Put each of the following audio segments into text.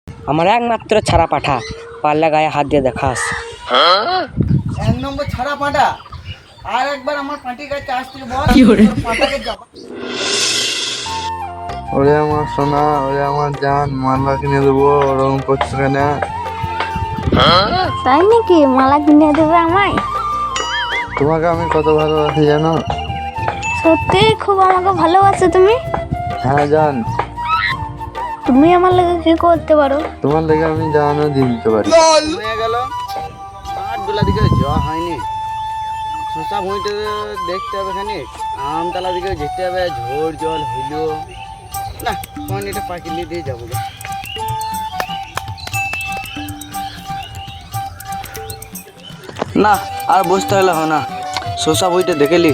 আমার একমাত্র ছাড়া পাঠা, পারলে গায়ে হাত দিয়ে দেখাস। এক নম্বর ছাড়া পাঁটা, আর একবার আমার পাঁটির কাছে আসতে বল, তোর পাঁটাকে যাবা। ওরে আমার সোনা, ওরে আমার জান, মালা কিনে দেবো, ওরকম করছো কেন? তাই নাকি? মালা কিনে দেবে আমায়? তোমাকে আমি কত ভালোবাসি জানো? সত্যি খুব আমাকে ভালোবাসো তুমি? হ্যাঁ জান, তুমি আমার লাগে কি করতে পারো? তোমার লেগে আমি জানও দিয়ে দিতে পারি। হয়ে গেল আটবেলা দিকে যাওয়া হয়নি। শশা ভুঁইতে দেখতে হবে খানি, আমতলা দিকে যেতে হবে, ঝোড় জল হইল না, তখন এটা পাকিলে দিয়ে যাবো গে। না আর বসতে হলে হয় না, শশা বইটা দেখেলি।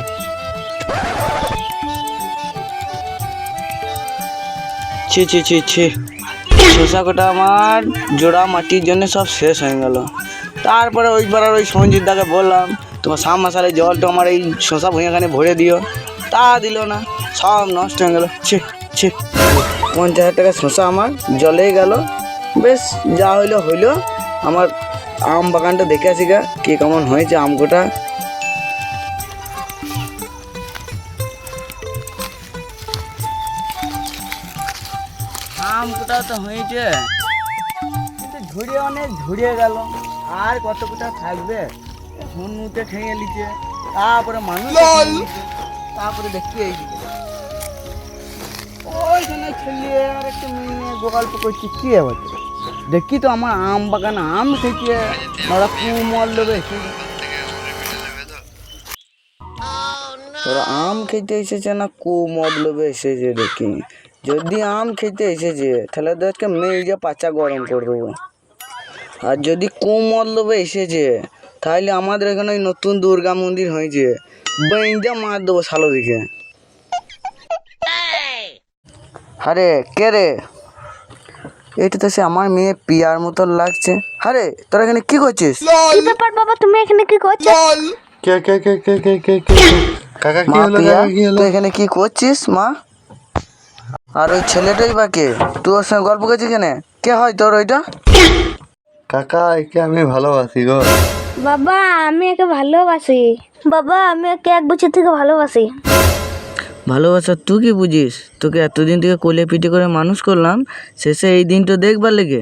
ছি ছি ছি ছি, শশা কটা আমার জোড়া মাটির জন্য সব শেষ হয়ে গেল। তারপরে ওই পাড়ার ওই সঞ্জিত দাকে বললাম তোমার সাম মশালে জলটা আমার এই শশা ভুঁইয়াখানে ভরে দিও, তা দিল না, সব নষ্ট হয়ে গেল। ছি ছি, 50,000 টাকা শশা আমার জলেই গেল। বেশ যা হইলো হইলো, আমার আম বাগানটা দেখে আসি গা কে কেমন হয়েছে আম কোটা। আম কোটা তো হয়েছে, কিন্তু ঝুড়িয়ে অনেক ঝুড়িয়ে গেল, আর কত কোটা থাকবে? হুনুতে খেয়ে নিচ্ছে, তারপরে মানুষ খেয়ে নিচ্ছে, তারপরে দেখি এইদিকে ওইখানে ছেলে আর একটা মেয়ে গল্প করছি কি হচ্ছে, দেখি তো আমার আম বাগান আম খেয়েছে, ওরা কুমল দেবে। ওরা আম খেতে এসেছে না কুমতলবে এসেছে দেখি, যদি আম খেতে এসেছে তাহলে তো আজকে মেয়ে পাচা গরম করে দেবো, আর যদি কুমতলবে এসেছে তাহলে আমাদের এখানে ওই নতুন দুর্গা মন্দির হয়েছে, বেঁজা মার দেবো শালো দিকে। আরে কে রে? এটা তো সে আমার মেয়ে পিয়ার মতন লাগছে। আরে তোরা এখানে কি করছিস? কি ব্যাপার বাবা, তুমি এখানে কি করছো? কে কে কে কে কে কে কে কাকা কি মা হলো? পিয়া, কাকা কি হলো? তুই এখানে কি করছিস মা? আর ওই ছেলেটাই বা কে? তুই ওর সঙ্গে গল্প করছিস কেন? কে হয় তোর ওইটা? কাকা একে আমি ভালোবাসি গো। বাবা আমি একে ভালোবাসি। বাবা আমি একে 1 বছর থেকে ভালোবাসি। ভালোবাসা তুই কি বুঝিস? তোকে এতদিন থেকে কোলে পিঠে করে মানুষ করলাম, শেষে এই দিনটা দেখবার লেগে।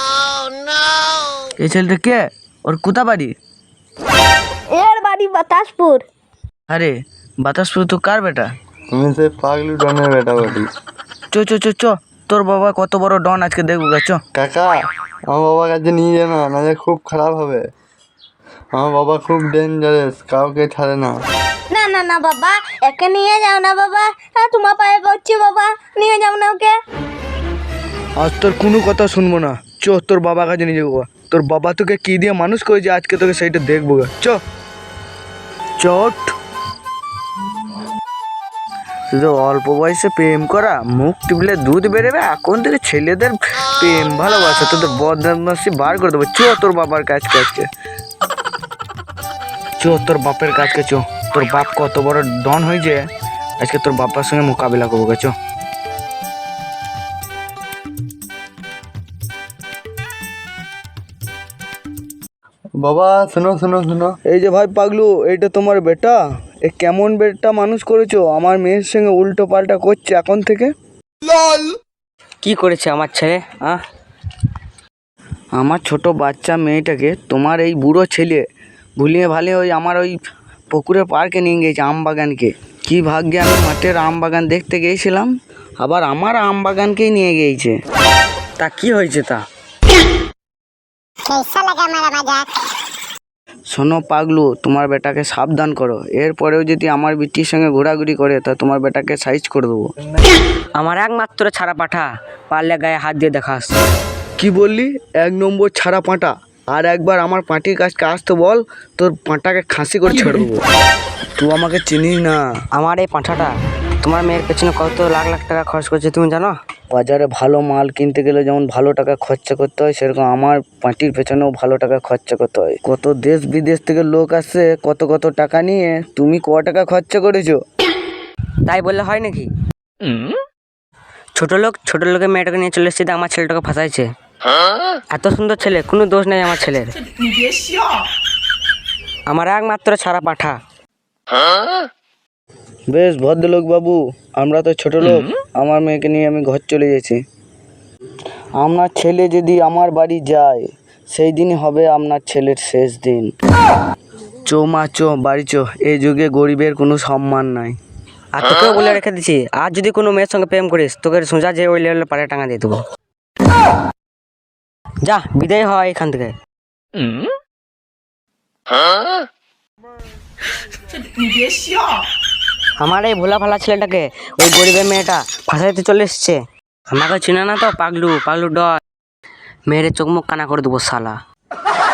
এই ছেলেটা কে? ওর কোথা বাড়ি? এর বাড়ি বাতাসপুর। আরে বাতাসপুর তো কার বেটা? তুমি সে পাগলু ডনের বেটা বলি। চ চ চ চ, তোর বাবা কত বড় ডন আজকে দেখবো গা, চ। কাকা আমার বাবার কাছে নিয়ে যেও না, নাহলে খুব খারাপ হবে। আমার বাবা খুব ডেঞ্জারাস, কাউকে ছাড়ে না। না না না বাবা, একে নিয়ে যাও না বাবা, তোমার পায়ে পড়ছি বাবা, নিয়ে যাও না ওকে। আজ তোর কোনো কথা শুনবো না, চ তোর বাবার কাছে নিয়ে যাবো। তোর বাবা তোকে কি দিয়ে মানুষ করেছে আজকে তোকে সেইটা দেখবো গা, চ। চট, শুধু অল্প বয়সে প্রেম করা, মুখ টিপলে দুধ বেরোবে, এখন থেকে ছেলেদের প্রেম ভালোবাসা, তোদের বদমাশি বার করে দেবো। চ তোর বাবার কাছকে আজকে, চ তোর বাপের কাছকে, চ। তোর বাপ কত বড় ডন হয়েছে, আজকে তোর বাবার সঙ্গে মোকাবিলা করবো গা, চ। বাবা শোনো শোনো শোনো, এই যে ভাই পাগলু, এইটা তোমার বেটা? এ কেমন বেটা মানুষ করেছো? আমার মেয়ের সঙ্গে উল্টো পাল্টা করছে এখন থেকে। কি করেছে আমার ছেলে? আমার ছোট বাচ্চা মেয়েটাকে তোমার এই বুড়ো ছেলে ভুলিয়ে ভালে ওই আমার ওই পুকুরের পার্কে নিয়ে গিয়েছে, আম বাগানকে। কি ভাগ্যে আমি মাঠের আম বাগান দেখতে গিয়েছিলাম, আবার আমার আম বাগানকেই নিয়ে গিয়েছে। তা কি হয়েছে তা? শোনো পাগলু, তোমার বেটাকে সাবধান করো, এরপরেও যদি আমার বিটির সঙ্গে ঘোরাঘুরি করে তা তোমার বেটাকে সাইজ করে দেবো। আমার একমাত্র ছাড়া পাঠা, পারলে গায়ে হাত দিয়ে দেখাস। কি বললি? 1 নম্বর ছাড়া পাঁটা, আর একবার আমার পাঁটির কাছকে আসতে বল, তোর পাঁটাকে খাসি করে ছেড়ে দেবো। তুই আমাকে চিনিস না। আমার এই পাঁঠাটা তোমার মেয়ের পেছনে কত লাখ লাখ টাকা খরচ করছে তুমি জানো? বাজারে ভালো মাল কিনতে গেলে যেমন ভালো টাকা খরচা করতে হয়, সেরকম আমার পাঁটির পেছনেও ভালো টাকা খরচা করতে হয়। কত দেশ বিদেশ থেকে লোক আসছে কত কত টাকা নিয়ে, তুমি ক টাকা খরচা করেছো? তাই বললে হয় নাকি? ছোট লোকের মেয়েটাকে নিয়ে চলে এসেছে, আমার ছেলেটাকে ফাঁসাইছে। এত সুন্দর ছেলে, কোনো দোষ নেই আমার ছেলের। আমার একমাত্র ছাড়া পাঠা। বেশ ভদ্রলোক বাবু, আমরা তো ছোট লোক, আমার মেয়েকে নিয়ে আমি ঘর চলে গেছি। আপনার ছেলে যদি আমার বাড়ি যায় সেই দিনই হবে আপনার ছেলের শেষ দিন। চো মা চো, বাড়ি চো, এই যুগে গরিবের কোনো সম্মান নাই। আর তোকেও বলে রেখে দিচ্ছি, আর যদি কোনো মেয়ের সঙ্গে প্রেম করিস তোকে সোজা যে ওই লেভেলে পাড়ে টাঙা দিয়ে দেবো। যা, বিদায় হয় এখান থেকে। আমার এই ভোলা ভালা ছেলেটাকে ওই গরিবের মেয়েটা ফাঁসাইতে চলে এসছে। আমাকে চিনে না তো, পাগলু পাগলু ডর, মেয়েরে চোখ মুখ কানা করে দেবো শালা।